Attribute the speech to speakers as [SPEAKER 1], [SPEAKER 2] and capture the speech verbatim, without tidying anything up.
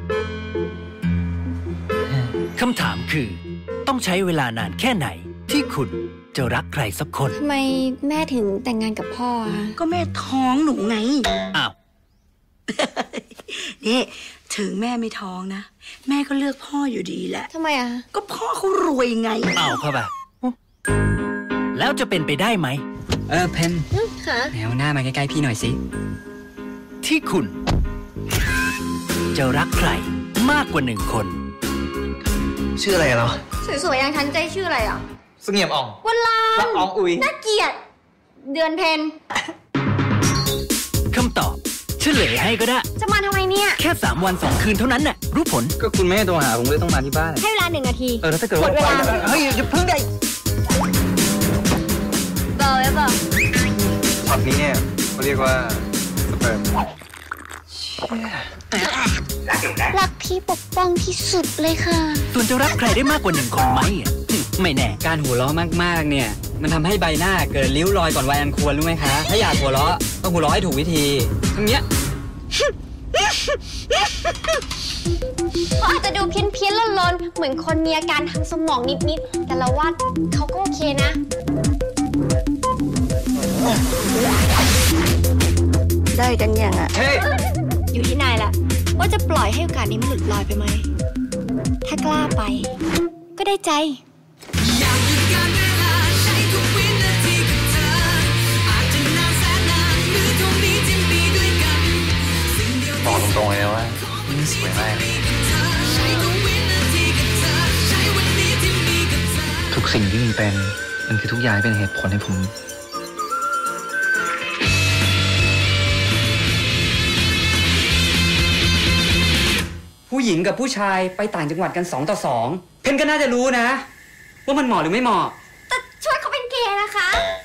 [SPEAKER 1] คำถามคือต้องใช้เวลานานแค่ไหนที่คุณจะรักใครสักคน
[SPEAKER 2] ทำไมแม่ถึงแต่งงานกับพ่ออะ
[SPEAKER 3] ก็แม่ท้องหนูไง
[SPEAKER 1] อ้าว
[SPEAKER 3] นี่ถึงแม่ไม่ท้องนะแม่ก็เลือกพ่ออยู่ดีแหละ
[SPEAKER 2] ทำไมอ่ะ
[SPEAKER 3] ก็พ่อเขารวยไง
[SPEAKER 1] เอาเข้าไปแล้วจะเป็นไปได้ไหม
[SPEAKER 4] เออเพน
[SPEAKER 2] ค่ะ
[SPEAKER 4] แนวหน้ามาใกล้ๆพี่หน่อยสิ
[SPEAKER 1] ที่คุณจะรักใครมากกว่าหนึ่งคน
[SPEAKER 5] ชื่ออะไรเหรอ
[SPEAKER 2] สวยๆอย่างฉันใจชื่ออะไรอ่ะ
[SPEAKER 5] เสงี่ยมอ่อง
[SPEAKER 2] วันลาน
[SPEAKER 5] ละอองอุย
[SPEAKER 2] น่าเกลียดเดือนเพน
[SPEAKER 1] คำตอบเฉลยให้ก็ได้
[SPEAKER 2] จะมาทำไมเนี่ย
[SPEAKER 1] แค่สามวันสองคืนเท่านั้นน่ะรู้ผล
[SPEAKER 5] ก็คุณไม่ให้โทรหาผมเลยต้องมาที่บ้าน
[SPEAKER 2] ให้เวลาหนึ่งนาที
[SPEAKER 5] เออแล้วถ้าเกิดว่าเฮ้ยอย่าเพิ่งได้
[SPEAKER 2] เบอร์ไว้เบอร์
[SPEAKER 5] ช็อตนี้เนี่ยเขาเรียกว่าสเปิร์ม
[SPEAKER 2] รักพี่ปกป้องที่สุดเลยค่ะ
[SPEAKER 1] ส่วนจะรักใครได้มากกว่าหนึ่งคนไหมไม่แน่
[SPEAKER 4] การหัวเราะมากๆเนี่ยมันทำให้ใบหน้าเกิดริ้วรอยก่อนวัยอันควรรู้ไหมคะถ้าอยากหัวเราะต้องหัวเราะให้ถูกวิธีอย่างเงี้ย
[SPEAKER 2] เขาอาจจะดูเพี้ยนเพี้ยนลนๆเหมือนคนมีอาการทางสมองนิดๆแต่เราว่าเขาก็โอเคนะ
[SPEAKER 3] ได้กันยังอ่ะ
[SPEAKER 5] เฮ้ย
[SPEAKER 2] อยู่ที่นายแหละว่าจะปล่อยให้โอกาสนี้มันหลุดลอยไปไหมถ้ากล้าไปก็ได้ใจ
[SPEAKER 5] บอกตรงๆเลยนะว่านี่สวยมากทุกสิ่งที่มีเป็นมันคือทุกอย่างเป็นเหตุผลให้ผม
[SPEAKER 4] ผู้หญิงกับผู้ชายไปต่างจังหวัดกันสองต่อสองเพนก็น่าจะรู้นะว่ามันเหมาะหรือไม่เหมาะ
[SPEAKER 2] แต่ชวนเขาเป็นเกย์นะคะ